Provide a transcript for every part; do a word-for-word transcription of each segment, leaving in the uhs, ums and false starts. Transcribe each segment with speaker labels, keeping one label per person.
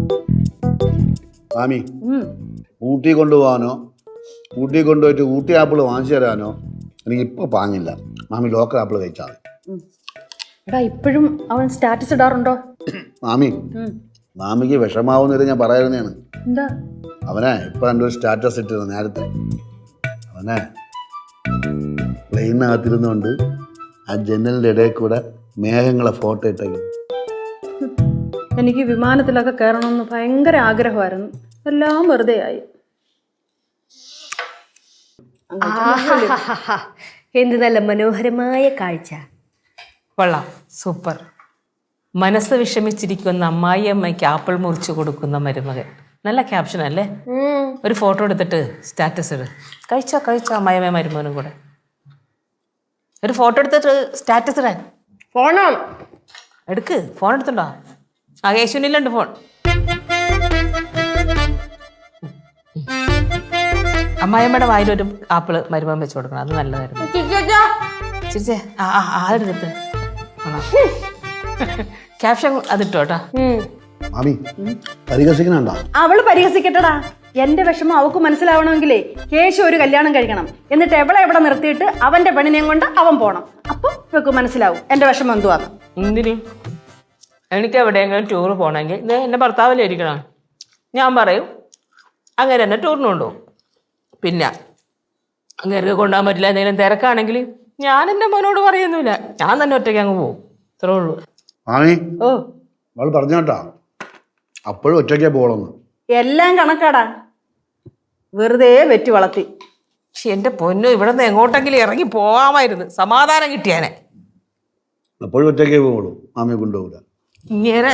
Speaker 1: മാമി ഊട്ടി കൊണ്ടുപോകാനോ ഊട്ടി കൊണ്ടുപോയിട്ട് ഊട്ടി ആപ്പിൾ വാങ്ങിച്ചു തരാനോ എനിക്ക് ഇപ്പൊ പാങ്ങില്ല. മാമി ലോക്കൽ ആപ്പിൾ കഴിച്ചാൽ മതി.
Speaker 2: എടാ ഇപ്പോഴും അവൻ സ്റ്റാറ്റസ് ഇടാറുണ്ടോ?
Speaker 1: മാമി മാമിക്ക് വിഷമാവുന്നില്ല ഞാൻ പറയാറുന്നതാണ്.
Speaker 2: എന്താ
Speaker 1: അവനെ ഇപ്പൊ എൻ്റെ ഒരു സ്റ്റാറ്റസ് ഇട്ടിരുന്നു നേരത്തെ. അവനെ പ്ലെയിനകത്തിരുന്നുകൊണ്ട് ആ ജനലിൻ്റെ ഇടയിൽ കൂടെ മേഘങ്ങളെ ഫോട്ടോ ഇട്ടേക്കും.
Speaker 2: എനിക്ക് വിമാനത്തിലൊക്കെ കയറണമെന്ന് ഭയങ്കര ആഗ്രഹമായിരുന്നു. എല്ലാം വെറുതെ ആയി.
Speaker 3: എന്ത് നല്ല മനോഹരമായ കാഴ്ച.
Speaker 4: കൊള്ളാം, സൂപ്പർ. മനസ്സ് വിഷമിച്ചിരിക്കുന്ന അമ്മായിയമ്മയ്ക്ക് ആപ്പിൾ മുറിച്ച് കൊടുക്കുന്ന മരുമകൻ. നല്ല ക്യാപ്ഷൻ അല്ലേ? ഒരു ഫോട്ടോ എടുത്തിട്ട് സ്റ്റാറ്റസ് ഇട്. കഴിച്ചോ കഴിച്ചോ അമ്മായിയമ്മ മരുമകനും കൂടെ. ഒരു ഫോട്ടോ എടുത്തിട്ട് സ്റ്റാറ്റസ് ഇടാൻ.
Speaker 3: ഫോണോ
Speaker 4: എടുക്ക്, ഫോൺ എടുത്തുണ്ടോ? ആ യേശുവിനില്ലുണ്ട് ഫോൺ. അമ്മായിയമ്മയുടെ വായിലൊരു ആപ്പിള് മരുമകൻ വെച്ച് കൊടുക്കണം. അത് നല്ലതായിരുന്നു. ചിരിച്ചേ. ആ ആ അതെടുത്ത് ക്യാപ്ഷൻ അതിട്ടോ കേട്ടോ.
Speaker 1: മാമി പരിഹസിക്കണുണ്ടോ?
Speaker 2: അവള് പരിഹസിക്കട്ടടാ. എന്റെ വിഷമം അവക്ക് മനസ്സിലാവണമെങ്കിലേ കേശു ഒരു കല്യാണം കഴിക്കണം. എന്നിട്ട് എവിടെ എവിടെ നിർത്തിയിട്ട് അവന്റെ പെണ്ണിനെയും കൊണ്ട് അവൻ പോണം. അപ്പം ഇവക്ക് മനസ്സിലാവും എന്റെ വിഷമം എന്തുവാന്ന്.
Speaker 4: എന്തിന്? എനിക്ക് എവിടെയെങ്കിലും ടൂർ പോകണമെങ്കിൽ ഇത് എൻ്റെ ഭർത്താവിലെ ഇരിക്കണം. ഞാൻ പറയും അങ്ങനെ തന്നെ ടൂറിന് കൊണ്ടുപോകും. പിന്നെ അങ്ങേർക്ക് കൊണ്ടുപോകാൻ പറ്റില്ല, എന്തെങ്കിലും തിരക്കാണെങ്കിൽ ഞാൻ എൻ്റെ മോനോട് പറയുന്നില്ല, ഞാൻ തന്നെ ഒറ്റയ്ക്ക് അങ്ങ് പോകും. ഇത്രേ ഉള്ളൂ.
Speaker 1: മാമി
Speaker 2: ഓ
Speaker 1: അവൾ പറഞ്ഞു കേട്ടാ അപ്പോഴും ഒറ്റയ്ക്കേ പോകണമെന്ന്.
Speaker 2: എല്ലാം കണക്കാടാ. വെറുതെ വെറ്റി വളർത്തി.
Speaker 4: പക്ഷെ എൻ്റെ പൊന്നു ഇവിടെ നിന്ന് എങ്ങോട്ടെങ്കിലും ഇറങ്ങി പോകാമായിരുന്നു, സമാധാനം കിട്ടിയാനെ.
Speaker 1: അപ്പോഴും ഒറ്റയ്ക്കേ പോകുള്ളൂ, മാമിയെ കൊണ്ടുപോകില്ല.
Speaker 4: ഇങ്ങനെ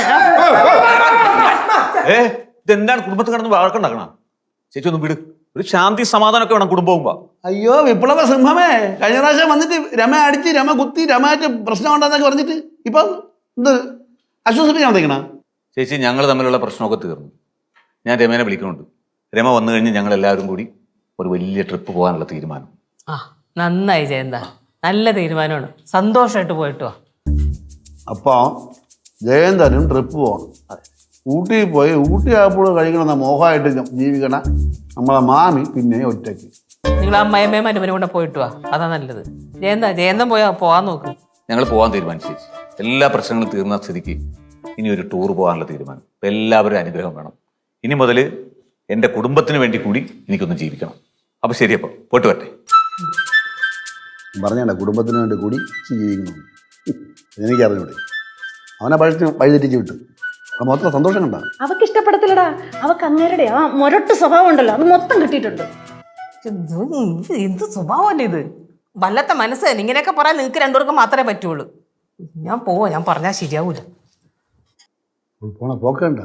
Speaker 5: ഏ ഇതെന്താണ് കുടുംബത്തിൽ കിടന്ന് വഴക്കുണ്ടാക്കണം? ചേച്ചി ഒന്ന് വിട്. ഒരു ശാന്തി സമാധാനമൊക്കെ വേണം കുടുംബം പോകുമ്പോ.
Speaker 1: അയ്യോ വിപ്ലവ സിംഹമേ, കഴിഞ്ഞ പ്രാവശ്യം വന്നിട്ട് രമ അടിച്ച് രമ കുത്തി രമായിട്ട് പ്രശ്നം ഉണ്ടെന്നൊക്കെ പറഞ്ഞിട്ട് ഇപ്പൊ എന്ത് ആശ്വസിപ്പിക്കാൻ വന്നേക്കണ?
Speaker 5: ചേച്ചി ഞങ്ങൾ തമ്മിലുള്ള പ്രശ്നമൊക്കെ തീർന്നു. ഞാൻ രമേനെ വിളിക്കുന്നുണ്ട്. രമ വന്നു കഴിഞ്ഞ് ഞങ്ങൾ എല്ലാവരും കൂടി ഒരു വലിയ ട്രിപ്പ് പോകാനുള്ള തീരുമാനം.
Speaker 4: ആ നന്നായി ജയന്ത, നല്ല തീരുമാനമാണ്. സന്തോഷമായിട്ട് പോയിട്ടോ.
Speaker 1: അപ്പോൾ ജയന്തനും ട്രിപ്പ് പോകണം. ഊട്ടിയിൽ പോയി ഊട്ടി ആപ്പിൾ കഴിക്കണമെന്ന മോഹമായിട്ട് ജീവിക്കണ നമ്മളെ മാമി പിന്നെ ഒറ്റയ്ക്ക്.
Speaker 4: നിങ്ങൾ അമ്മയമ്മയും മരുമനും കൂടെ പോയിട്ട് വാ, അതാ നല്ലത്. ജയന്ത ജയന്തം പോയാ പോവാൻ നോക്ക്.
Speaker 5: ഞങ്ങൾ പോകാൻ തീരുമാനിച്ചു ചേച്ചി. എല്ലാ പ്രശ്നങ്ങളും തീർന്ന സ്ഥിതിക്ക് ഇനി ഒരു ടൂർ പോകാനുള്ള തീരുമാനം. ഇപ്പം എല്ലാവരും അനുഗ്രഹം വേണം. ഇനി മുതൽ എൻ്റെ കുടുംബത്തിന് വേണ്ടി കൂടി എനിക്കൊന്ന് ജീവിക്കണം. അപ്പം ശരി, അപ്പം പോയിട്ട് വരട്ടെ.
Speaker 1: പറഞ്ഞേണ്ട കുടുംബത്തിന് വേണ്ടി കൂടി ജീവിക്കുന്നു. എനിക്കറിഞ്ഞൂടെ അവനെ പഴുത്ത് വഴിതെറ്റിച്ച് വിട്ടു. അത് മൊത്തം സന്തോഷം കണ്ട.
Speaker 2: അവക്ക് ഇഷ്ടപ്പെടത്തില്ലടാ. അവക്ക് അങ്ങേരുടെ ആ മൊരട്ട് സ്വഭാവം ഉണ്ടല്ലോ, അത് മൊത്തം കിട്ടിയിട്ടുണ്ട്.
Speaker 4: എന്ത് സ്വഭാവമല്ലേ ഇത്? വല്ലത്തെ മനസ്സ് ഇങ്ങനെയൊക്കെ പറയാൻ നിങ്ങൾക്ക് രണ്ടുപേർക്കും മാത്രമേ പറ്റുള്ളൂ. ഞാൻ പോവാ, ഞാൻ പറഞ്ഞാൽ ശരിയാവൂല.
Speaker 1: പോണ പോക്കണ്ട.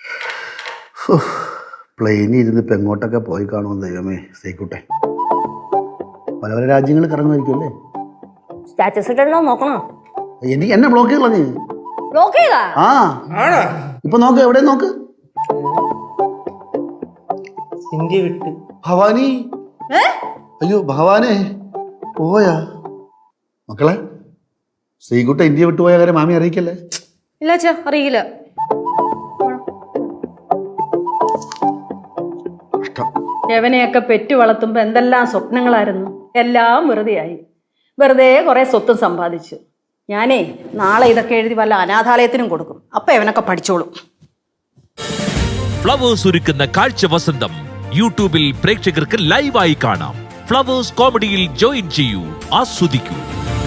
Speaker 1: പ്ലെയിനിൽ ഇരുന്ന് ഇപ്പം എങ്ങോട്ടൊക്കെ പോയി കാണുമെന്ന് ദൈവമേ. സേക്കൂട്ടെ പല പല രാജ്യങ്ങളിൽ കറങ്ങുമായിരിക്കും അല്ലേ?
Speaker 3: സ്റ്റാറ്റസ് ഇടണോ നോക്കണോ?
Speaker 1: എനിക്ക് എന്നെ ബ്ലോക്ക് ചെയ്യല നീ.
Speaker 3: ബ്ലോക്ക് ചെയ്താ?
Speaker 1: ആ ഇപ്പൊ നോക്ക്, എവിടെ നോക്ക്.
Speaker 6: ഇന്ത്യ വിട്ട്
Speaker 1: ഭവാനി. അയ്യോ ഭവാനെ പോയാ? മക്കളെ ശ്രീകുട്ട ഇന്ത്യ വിട്ടുപോയ കാര്യം മാമി അറിയിക്കല്ലേ?
Speaker 2: ഇല്ല അച്ഛാ, അറിയില്ല. യവനെയൊക്കെ പെറ്റു വളർത്തുമ്പോ എന്തെല്ലാം സ്വപ്നങ്ങളായിരുന്നു. എല്ലാം വെറുതെയായി. വെറുതെ കുറെ സ്വത്തും സമ്പാദിച്ചു. ഞാനേ നാളെ ഇതൊക്കെ എഴുതി വല്ല അനാഥാലയത്തിനും കൊടുക്കും. അപ്പൊ ഇവനൊക്കെ പഠിച്ചോളും.
Speaker 7: ഫ്ലവേഴ്സ് ഒരുക്കുന്ന കാഴ്ച വസന്തം യൂട്യൂബിൽ പ്രേക്ഷകർക്ക് ലൈവായി കാണാം. ഫ്ലവേഴ്സ് കോമഡിയിൽ ജോയിൻ ചെയ്യൂ, ആസ്വദിക്കൂ.